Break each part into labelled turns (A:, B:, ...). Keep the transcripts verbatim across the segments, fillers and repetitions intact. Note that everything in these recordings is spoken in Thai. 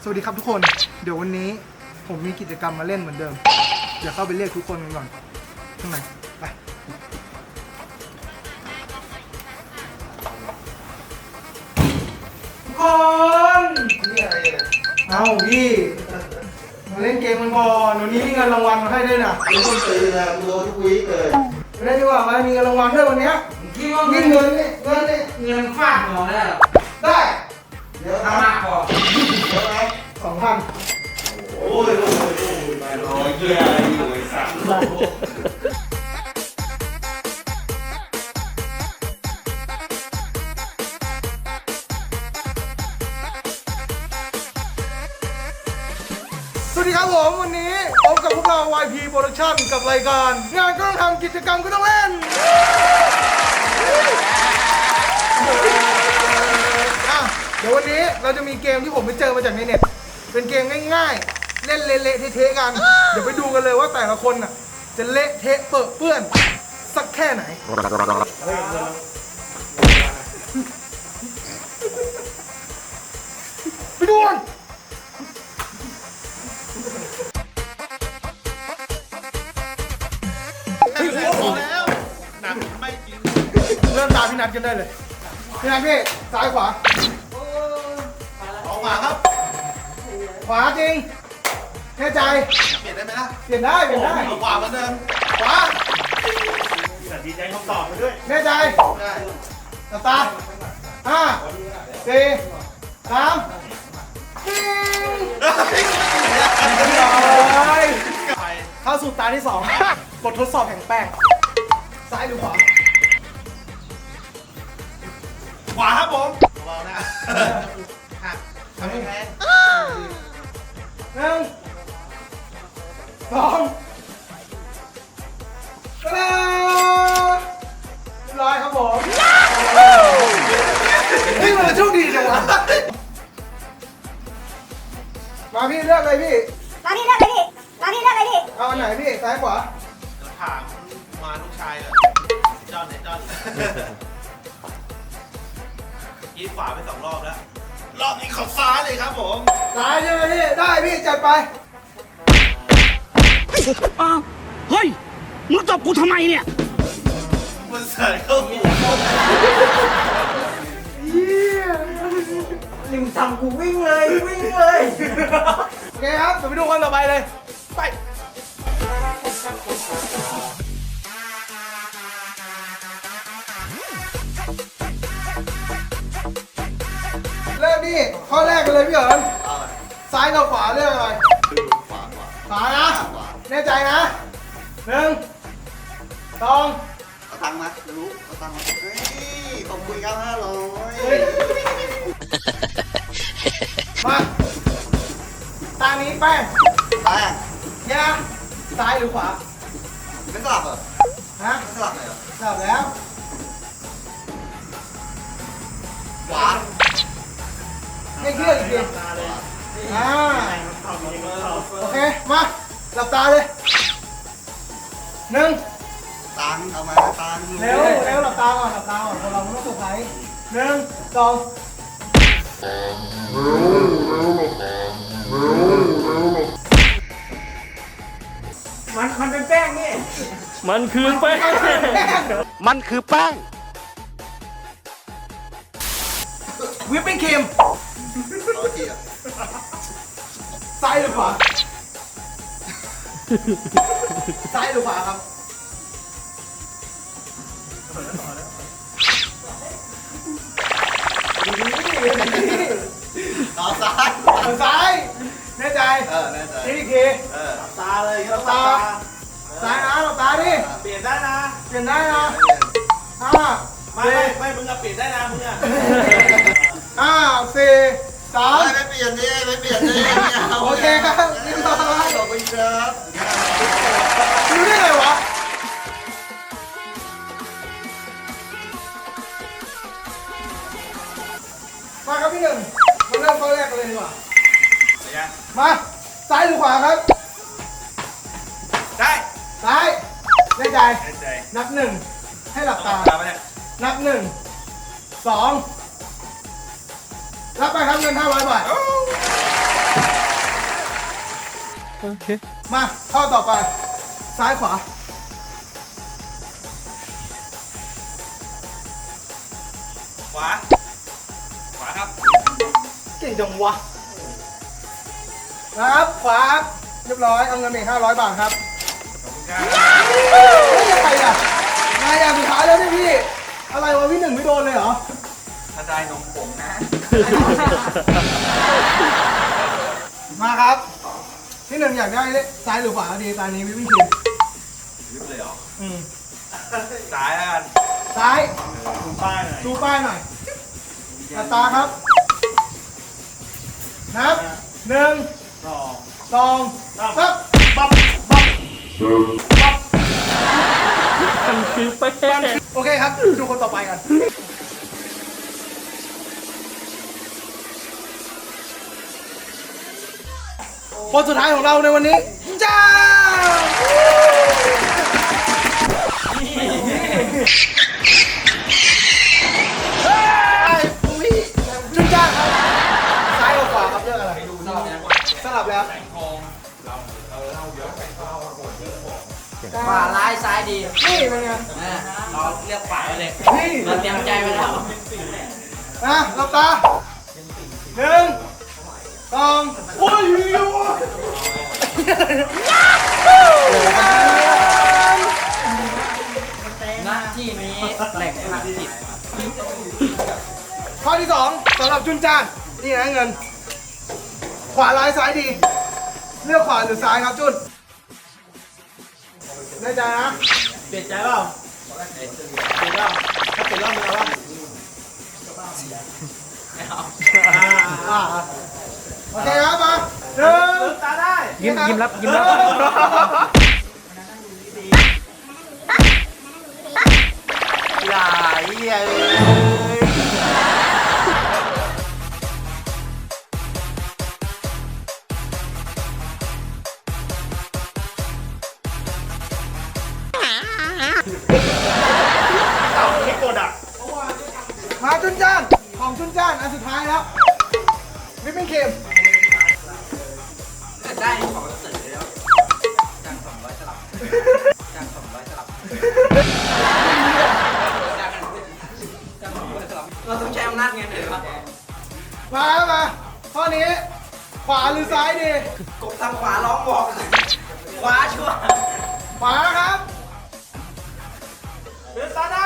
A: สวัสดีครับทุกคนเดี๋ยววันนี้ผมมีกิจกรรมมาเล่นเหมือนเดิมเดี๋ยวเข้าไปเรียกทุกคนกันก่อนข้างในไปทุกคนนี่อะไรเนี่ยเอาพี่มาเล่นเกมมันก่อนวันนี้มีเงินรางวัลมาให้ด้วยนะ
B: ไม่ต้องตื่นนะโดนทุกวีคเลย
A: ไม่ได้ดีกว่ามามีเงินรางวัลด้วยวันนี้
C: คิดว่า
A: นี่
C: เงิน
A: เงินนี่เงินนี่
C: เงินฟาดหัวได้หรอ
A: ได้
B: เดี๋ยว
C: ทำมากพอ
B: เดี๋ยวไหม
A: สองพัน
B: โอ้ยโอ้ยโอ้ยไปรอยเยี่ยอยู่ไอ้สัตว์
A: สวัสดีครับผมวันนี้พบกับพวกเรา วาย พี Production กับรายการงานก็ต้องทำกิจกรรมก็ต้องเล่นอ่ะเดี๋ยววันนี้เราจะมีเกมที่ผมไปเจอมาจากในเน็ตเป็นเกมง่ายๆ เล่นเละๆเทะๆกัน เดี๋ยวไปดูกันเลยว่าแต่ละคนน่ะจะเละเทะเปื้อนเปื้อนสักแค่ไหนไปดูกันเริ่มตามพี่นัทกันได้เลยพี่นัทพี่ซ้ายขวา
B: ออกมาครับ
A: ขวาจริงแน่ใจ
B: เปลี่ยนได้ไหมล่ะ
A: เปลี่ยนได้เปลี่ยนได้
B: เอาขวาเหมือนเดิม
A: ขวา
B: ดีใจคำตอบมาด้วย
A: แน่ใจ
B: ได้
A: ตาตาห้าสี่สามปิ้งเลยเข้าสู่ตาที่สองบททดสอบแห่งแป้งซ้ายหรือขวา
B: ขวาครับผมเบาๆนะหักทำให้แพ้
A: หนึ่งสองตะลาเรียบร้อยครับผมนี่มันโชคดีจังวะมาพี่เลือกเลยพี่
D: มาพี่เลือกเลยพี่มาพี่เลือกเลยพี่
A: เอาอันไหนพี่ซ้ายขวา
B: ถามมาลูกชายเลยจอนเนี่ยจอนยีขวาไปสองรอบแล้ว รอบนี้เขาซ้ายเลยครับผม
A: ซ้ายใช่ไหมพี่ได้พี่จัดไป
E: อ้าวเฮ้ย มึงตบกูทำไมเนี่ย
B: มันเสยเข้าหู
A: ลิมทำกูวิ่งเลยวิ่งเลยโอเคครับเดี๋ยวไปดูคนต่อไปเลยไปเริ่มนี่ข้อแรกกันเลยพี่เอิญซ้ายกับขวาเลือกอะไร
B: ขวาขวา
A: ขวานะแน่ใจนะหนึ่งสอง
B: เอาตังค์มาจะรู้เอาตังค์มาเฮ้ยขอบคุณครับห้าร้อย
A: มาตานี้แป้ง
B: แป้ง
A: เนี่ยนะซ้ายหรือขวา
B: ไม่สลับเหรอ
A: ฮะ
B: ไม่สลับเลยเหรอ
A: สลับแล้ว
B: ขวา
A: ให้เคลื่อนอีกทีอ่าโอเค มา หลับตาเลยหนึ่ง
B: ตังค์เอามาตังค์
A: เร็วเร็วหลับตาก่อน หลับตาก่อนเราไม่ต้องเซอร์ไพรส์หนึ่งสองมันมันเป็นแป้งนี่
E: มันคือแป้ง มันคือแป้ง
A: วิปปิ้งครีม
B: เอาทีอ่ะ
A: ซ้ายหรือขวา ซ้ายหรือขวาครับ
B: ต่อซ้าย
A: ทางซ้ายแน่ใจ
B: เออแน่ใจ
A: นี่อีกที
B: เออตาเลย
A: หลับตาซ้ายนะหลับตาดิ
B: เปลี่ยนได้นะ
A: เปลี่ยนได้นะห้า
B: ไม่
A: สี่
B: ไม่มึงอะเปลี่ยนได้นะมึงอะ
A: ห้าสี่สาม
B: ไม่เปลี่ยนดิไม่เปลี่ยนดิไม่เอา
A: โอเคครับเรียบร้อย
B: ขอบคุณครับ
A: รู้ได้ไงวะมาครับพี่หนึ่งมาเริ่มข้อแรกกันเลยดีกว่ามาซ้ายหรือขวาครับ
B: ได้
A: ซ้ายแน่ใจ
B: แน่ใจ
A: นับหนึ่งให้หลับตา
B: ตามไปเนี่ย
A: นับหนึ่งสองรับไปครับเงินห้าร้อยบาท
E: โอเค
A: มาข้อต่อไป ซ้ายขวา
B: ขวา ขวาครับ
A: เก่งจังวะนะครับขวาครับเรียบร้อยเอาเงินไปห้าร้อยบาทครับ
B: ขอบคุณครับ
A: เฮ้ยยังไงอ่ะนายอย่างสุดท้ายแล้วเนี่ยพี่ อะไรวะพี่หนึ่งไม่โดนเลยเหรอ
B: ถ้าได้นมผงนะ
A: มาครับพี่หนึ่งอยากได้ซ้ายหรือขวาดีตอนนี้วิวิ่งทีม
B: ยึดเลยเหรอ
A: อืม
B: ซ้ายแล้วกัน
A: ซ้าย
B: ดูป้ายหน่อย
A: ดูป้ายหน่อยอัตราครับนับหนึ่ง
B: สอง
A: สองครับ
B: ปั๊บปั๊บ
E: มันคือแป้ง
A: โอเคครับ ดูคนต่อไปกัน คนสุดท้ายของเราในวันนี้ จ้าไอ้ปุ้ยจุนจ้าครับ ซ้ายกับขวาครับเรื่องอะไร
C: สลับยัง
A: สลับแล้ว
C: ขวาร้ายซ้ายดี
A: นี่เป็นไง
C: นะเราเลือกขวาไปเลย
A: นี่
C: เราเตรียมใจไว้แล้ว
A: นะหลับตาหนึ่งสองโอ้ยอยู่
C: ณที่นี้แหล่งผลิต
A: ข้อที่สองสำหรับจุนจ้านนี่นะเงิน ขวาร้ายซ้ายดี เลือกขวาหรือซ้ายครับจุนแน่ใจนะ
C: เปลี่ยนใจเปล่า
A: เปลี่ยนรอบถ้าเปลี่ยนรอบมึงเอาวะ
C: ไม่เอา
A: อ่าโอเคครับมาหนึ่งตาได้
E: ยิ้มยิ้มรับยิ้มรับ
B: อย่าเหี้ยเลย
A: มาจุนจ้านของจุนจ้านอันสุดท้ายแล้ววิปปิ้งครีม
C: ได้ของเสร็จแล้วจ้างสองร้อยสลับจ้างสองร้อยสลับจ้างจ้างสองร้อยสลับเราต้องใช้อำนาจเงินเลยปะ
A: มาครับมาข้อนี้ขวาหรือซ้ายดี
C: กบทางขวาร้องบอกขวาชัวร์
A: ขวาครับ
B: เลือกตาได้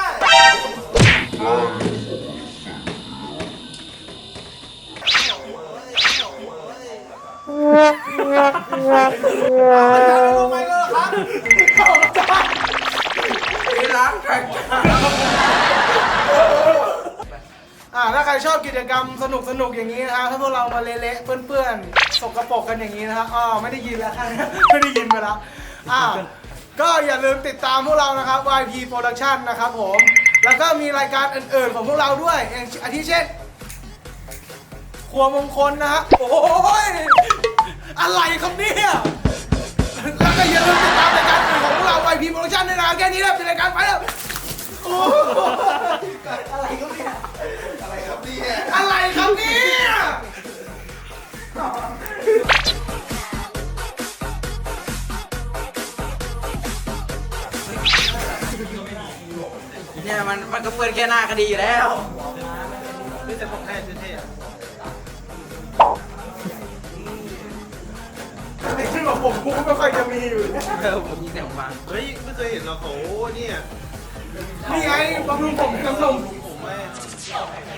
A: ลงไปเลยครับเข้าจ้า
C: ไปล้างแข่ง
A: อ่าถ้าใครชอบกิจกรรมสนุกสนุกอย่างนี้นะฮะถ้าพวกเรามาเละๆเปื้อนๆสกปรกกันอย่างนี้นะฮะอ๋อไม่ได้ยินแล้วครับ ไม่ได้ยินไปแล้วอ่าก็อย่าลืมติดตามพวกเรานะครับ วาย พี Production นะครับผม แล้วก็มีรายการอื่นๆของพวกเราด้วยอย่างอาทิเช่น ครัวมงคลนะฮะโอ้ยอะไรครับเนี่ยแล้วก็อย่าลืมติดตามรายการอื่นของพวกเรา วาย พี Production ด้วยนะแค่นี้แหละเป็นรายการไปแล้วโอ้อะไรครับเนี่ย
B: อะไรครับเนี่ย
A: อะไรครับเนี่ย
C: เนี่ยมันมันก็เปิดแค่หน้าก็ดีอยู่แล้ว
B: ไม่แต่ผมแท้เท่ๆอะ
A: ไอ้ที่บอกผมกูไม่ค่อยจะมีอยู่
C: เออผมยิงแต่ผมมา
B: เฮ้ย ไม่เคยเห็นหรอกโอ้เนี่ย
A: นี่ไงบำรุงผมกำลัง
B: ผมไม่